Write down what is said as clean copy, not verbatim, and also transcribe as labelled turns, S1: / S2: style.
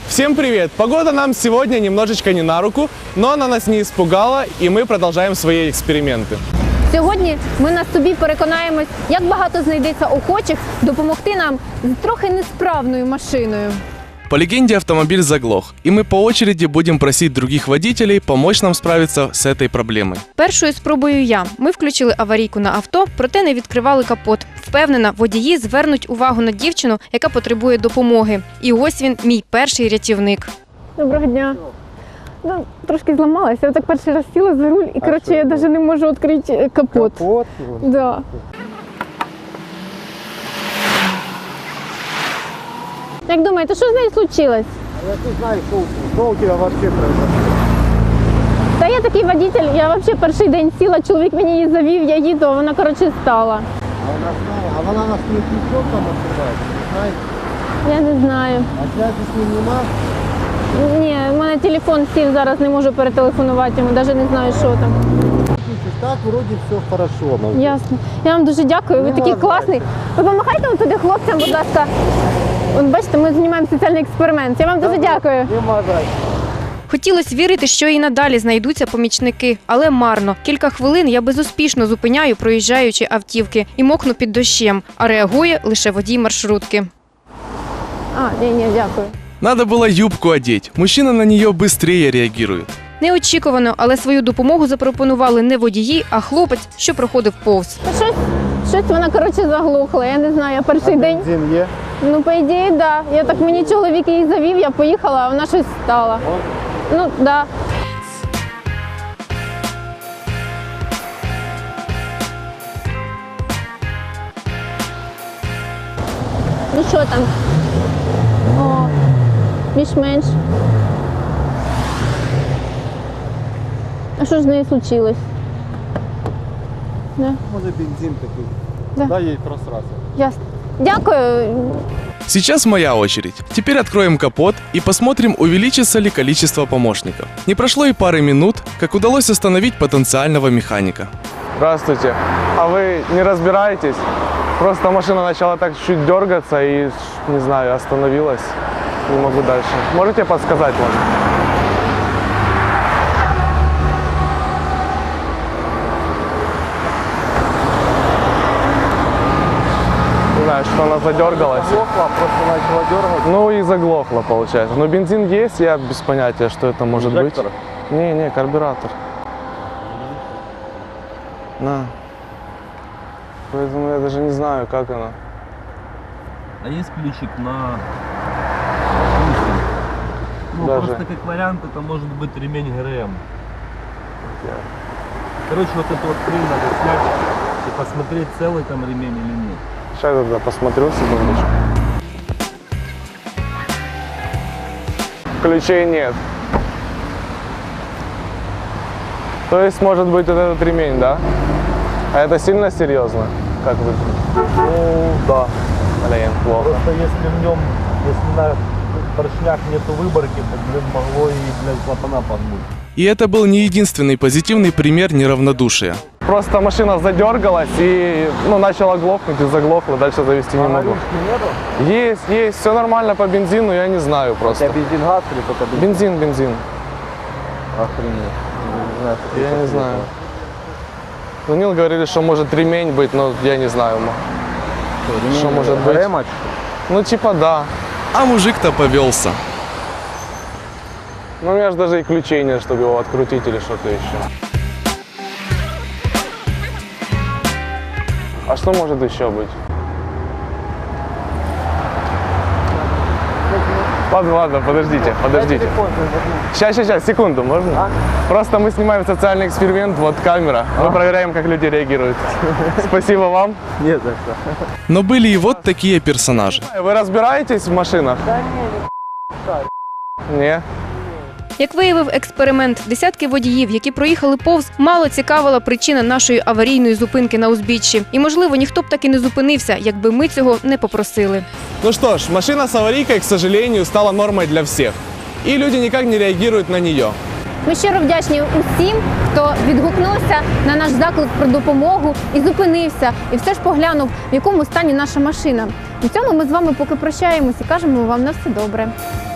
S1: Всем привет! Погода нам сегодня немножечко не на руку, но она нас не испугала, и мы продолжаем свои эксперименты.
S2: Сьогодні ми на собі переконаємось, як багато знайдеться охочих допомогти нам з трохи несправною машиною.
S1: По легенде, автомобиль заглох, и мы по очереди будем просить других водителей помочь нам справиться с этой проблемой.
S3: Першою спробую я. Ми включили аварійку на авто, проте не відкривали капот. Впевнена, водії звернуть увагу на дівчину, яка потребує допомоги. І ось він, мій перший рятівник.
S2: Доброго дня. Ну, трошки зламалася. Я так перший раз сіла за руль і, коротше, я навіть не можу відкрити капот.
S4: Капот?
S2: Да. Як думаєте, що з нею случилось?
S4: Я не знаю, что у тебя вообще произошло.
S2: Та я такий водитель, я взагалі перший день сіла, чоловік мені її завів, я їду, а вона, коротше, стала.
S4: А вона нас не пішов там відкривається, не знаєте?
S2: Я не знаю.
S4: А связи з ним нема?
S2: Ні, в мене телефон сів, зараз не можу перетелефонувати йому, навіть не знаю, що там.
S4: Слушай, так вроде все хорошо. Ну,
S2: Ясно. Я вам дуже дякую, ви такий класний. Ви допомагайте туди хлопцям, будь ласка. От бачите, ми знімаємо соціальний експеримент. Я вам дуже дякую.
S4: не мазай.
S3: Хотілося вірити, що і надалі знайдуться помічники, але марно. Кілька хвилин я безуспішно зупиняю проїжджаючі автівки і мокну під дощем, а реагує лише водій маршрутки.
S2: Ні, дякую.
S1: Надо было юбку одеть, мужчина на нее быстрее реагирует.
S3: Неочікувано, але свою допомогу запропонували не водії, а хлопець, що проходив повз.
S2: Та щось вона, коротше, заглухла, я не знаю, я перший день.
S4: Бензин є?
S2: Ну, по ідеї, да. Я так, мені чоловік її завів, я поїхала, а вона щось стала. Ну, да. Ну, що там? О, більш-менш. А що ж з нею случилось? Да.
S4: Може бензин такий.
S2: Да.
S4: Дай їй просратися.
S2: Ясно. Дякую.
S1: Сейчас моя очередь. Теперь откроем капот и посмотрим, увеличится ли количество помощников. Не прошло и пары минут, как удалось остановить потенциального механика. Здравствуйте. А вы не разбираетесь? Просто машина начала так чуть дергаться и, не знаю, остановилась. Не могу дальше. Можете подсказать вам? Не знаю, что она задергалась.
S4: Заглохла, просто начала дергати.
S1: Ну и заглохло, получается. Но бензин есть, я без понятия, что это может
S4: Инжектор?
S1: быть. Не, карбюратор. На. Поэтому я даже не знаю, как она.
S5: А есть ключик на ключик? Ну,
S1: Даже.
S5: просто как вариант, это может быть ремень ГРМ. Короче, вот эту вот хрень надо снять и посмотреть, целый там ремень или нет.
S1: Сейчас я тогда посмотрю, секундочку. Ключей нет. То есть, может быть, вот этот ремень, да? А это сильно серьезно? Как вы?
S5: Ну, да.
S1: Блин, плохо.
S5: Просто если в нем, если на поршнях нету выборки, то, блин, могло и, блядь, клапана погнуть.
S1: И это был не единственный позитивный пример неравнодушия. Просто машина задергалась и начала глохнуть и заглохла, дальше завести не могу. Есть, все нормально по бензину, я не знаю просто.
S4: бензин газ или только бензин?
S1: Бензин.
S4: Охренеть. Не знаю, что
S1: Я
S4: это
S1: не
S4: такое.
S1: знаю. Звонил, говорили, что может ремень быть, но я не знаю. Что может быть?
S4: ГРМ?
S1: Ну типа да. А мужик-то повелся. Ну у меня же даже и ключей нет, чтобы его открутить или что-то еще. А что может еще быть? Ладно, подождите. Сейчас, секунду, можно? Просто мы снимаем социальный эксперимент, вот камера. Мы проверяем, как люди реагируют. Спасибо вам.
S4: Нет, за что.
S1: Но были и вот такие персонажи. Вы разбираетесь в машинах? Не.
S3: Як виявив експеримент, десятки водіїв, які проїхали повз, мало цікавила причина нашої аварійної зупинки на узбіччі. І, можливо, ніхто б так і не зупинився, якби ми цього не попросили.
S1: Ну что ж, машина с аварийкой, к сожалению, стала нормой для всех. И люди никак не реагируют на нее.
S2: Ми щиро вдячні усім, хто відгукнувся на наш заклик про допомогу і зупинився, і все ж поглянув, в якому стані наша машина. На цьому ми з вами поки прощаємось і кажемо вам на все добре.